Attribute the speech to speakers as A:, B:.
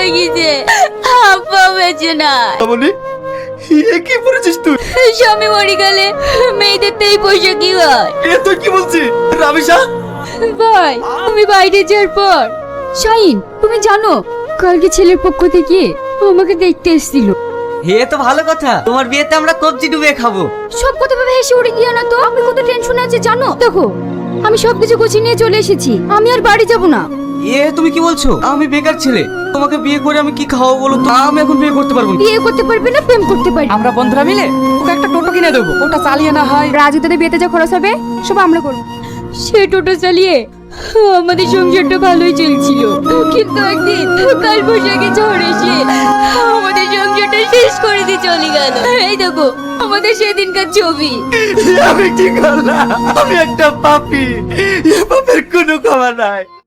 A: হয়ে গেছে, আব্বা বেঁচে না।
B: বলি এ কি পড়েছিস তুই?
A: স্বামী মরে গেলে মেয়েদের তো এই পোশাক কি হয়?
B: এ তুই কি বলছিস রাবিশা?
A: ভাই তুমি বাইরে যাওয়ার পর শাহিন, তুমি জানো কালকে ছেলের পক্ষ থেকে আমাকে দেখতে এসেছিল।
C: হে তো ভালো কথা, তোমার বিয়েতে আমরা কবজি ডুবে খাবো।
A: সব কথা ভেবে হেসে উড়ে গিয়ে না তো, আমি কত টেনশনে আছি জানো? দেখো আমি সবকিছু গুছিয়ে নিয়ে চলে এসেছি, আমি আর বাড়ি যাব না।
C: এ তুমি কি বলছো? আমি বেকার ছেলে, তোমাকে বিয়ে করে আমি কি খাওয়াবো বলো তো? আমি এখন বিয়ে করতে পারবো না।
A: বিয়ে করতে পারবে না, প্রেম করতে পারবে।
D: আমরা বন্ধুরা মিলে ওকে একটা টোটো কিনে দেবো, ওটা চালিয়ে না হয় রাজু দাদের বিয়েতে যা খরচ হবে সব আমরা করবো।
A: সে টোটো চালিয়ে আমাদের সংসারটা ভালোই চলছিল, কিন্তু একদিন কাল বৈশাখে ঝড় এসে আমাদের সংসারটা শেষ করে দিয়ে চলে গেল। এই দেখো আমাদের সেদিনকার ছবি।
B: আমি কি করলাম? আমি একটা পাপী, এ পাপের কোনো ক্ষমা নাই।